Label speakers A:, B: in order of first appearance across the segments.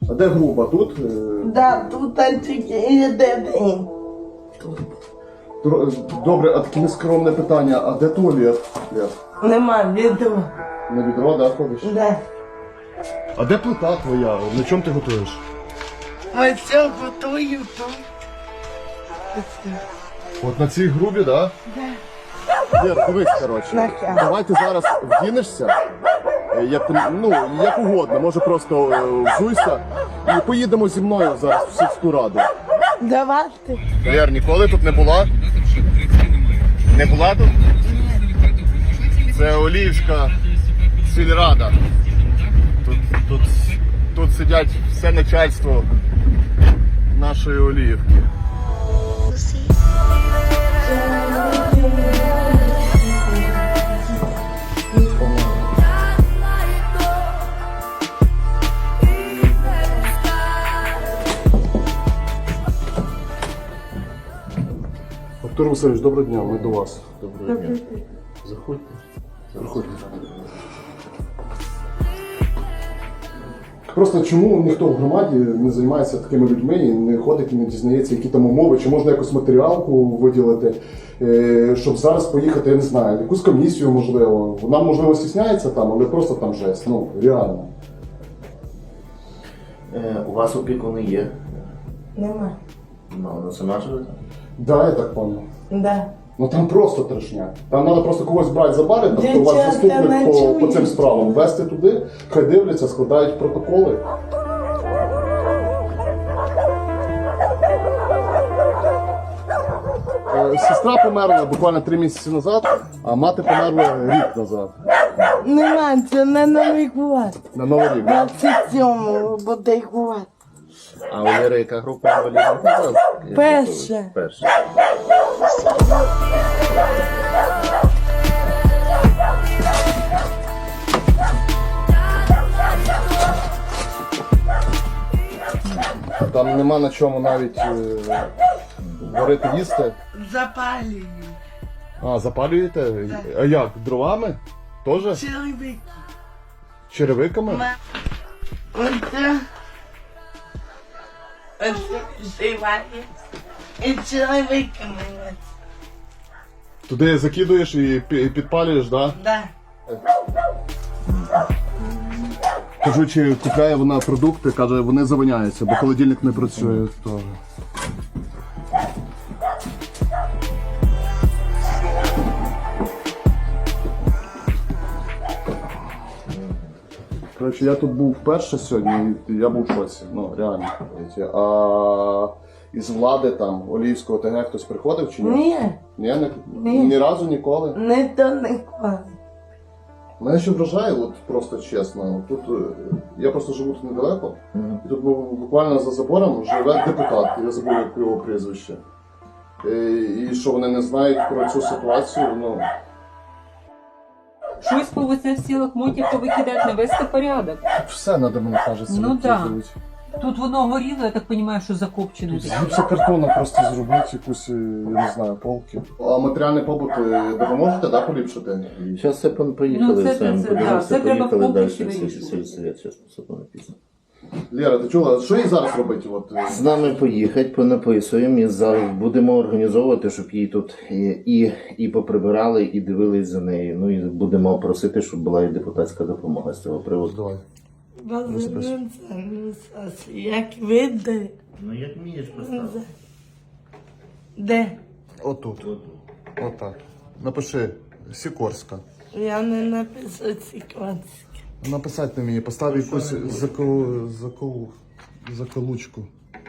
A: А де груба? Тут?
B: Да, тут тільки єдиний.
A: Добре, а таке нескромне питання, а де туалет?
B: Нема відео.
A: На відро, да, ходиш?
B: Да.
A: А де плита твоя? На чому ти готуєш?
B: Ось все готую тут.
A: От на цій грубі, да?
B: Да.
A: Лєр, дивись, коротше.
B: Нахер.
A: Давай ти зараз вдінешся, як угодно, може просто взуйся і поїдемо зі мною зараз в сільську раду.
B: Давайте.
A: Лєр, ніколи тут не була? Не була тут? Це Оліївська сільрада. Тут сидять все начальство нашої Оліївки. Артур Васильович, доброго дня, ми до вас. Доброго дня. Заходьте. Заходьте. Просто чому ніхто в громаді не займається такими людьми і не ходить і не дізнається, які там умови, чи можна якусь матеріалку виділити, щоб зараз поїхати, я не знаю, якусь комісію, можливо. Вона, можливо, стісняється там, але просто там жесть, ну, реально.
C: У вас опікуни є?
B: Нема.
C: Ну, вона сама живе?
A: Да, я так понял.
B: Да.
A: Ну там просто трешня. Там треба просто когось брати за бари, тобто у вас
B: Дівчата,
A: заступник по
B: ночують.
A: цим справам, вести туди, хай дивляться, складають протоколи. Сестра померла буквально 3 місяці назад, а мати померла рік назад.
B: Нема, це не Новий год.
A: На Новий рік. Да?
B: 27-му буде год.
C: А у Лєри яка група інвалідів?
B: Перша.
C: Перша.
A: Там нема на чому навіть варити їсти.
B: Запалюю.
A: А, запалюєте? А як? Дровами? Тоже?
B: Чоловік.
A: Черевиками?
B: Оце. Оце живає. І чоловіками.
A: Туди закидуєш і підпалюєш, да?
B: Да.
A: Кажу, чи купляє вона продукти, каже, вони завиняються, бо холодильник не працює теж. Коротше, я тут був вперше сьогодні, і я був в шоці, ну реально. А із влади там, Оліївського ТГ хтось приходив чи ні?
B: Ні,
A: Ні? Ні разу ніколи?
B: не то ніколи.
A: Мене ще вражає, от просто чесно, тут я просто живу тут недалеко, і тут буквально за забором живе депутат, я забув як його прізвище. І що вони не знають про цю ситуацію, ну...
D: Щось по оце в сілах мотів повикидати, навести порядок.
A: Все треба, мені кажеться,
D: Ну да.
A: викидувати.
D: Тут воно горіло, я так розумію, що закопчене.
A: Тут з гіпсокартону просто зробити якусь, я не знаю, полки. А матеріальний побут допоможете, да, поліпшити?
C: Зараз все поїхали,
D: Ну, це-
C: все,
D: це- да, це треба в
C: поїхали далі,
D: комплексі вирішувати.
C: сільсовет, зараз посадимо написано.
A: Лєра, ти чула, що їй зараз робити? От,
C: З нами поїхати, понаписуємо і зараз будемо організовувати, щоб її тут і поприбирали, і дивились за нею. Ну і будемо просити, щоб була і депутатська допомога з цього приводу.
A: Давай.
B: Як видно.
C: Ну як вмієш поставити?
B: Де?
A: Отут. Отак. Напиши Сікорська.
B: Я не написала Сікорське.
A: Написати на мені, постав якусь заколучку.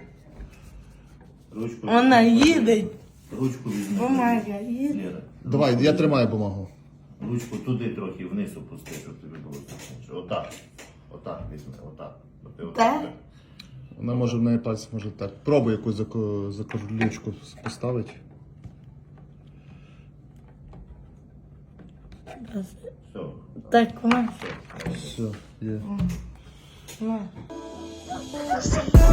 C: Ручку.
B: Вона їде.
C: Ручку візьми.
B: Бумага їде.
C: Лєра,
A: Давай, я тримаю бумагу.
C: ручку туди трохи вниз опусти, щоб тобі було зручніше. Отак. Отак візьми, отак. От ти отак.
B: Так?
A: Вона може в неї пальці може так. Пробуй якусь заколючку поставити.
C: Все.
B: Так вона.
A: Все, є.
B: На.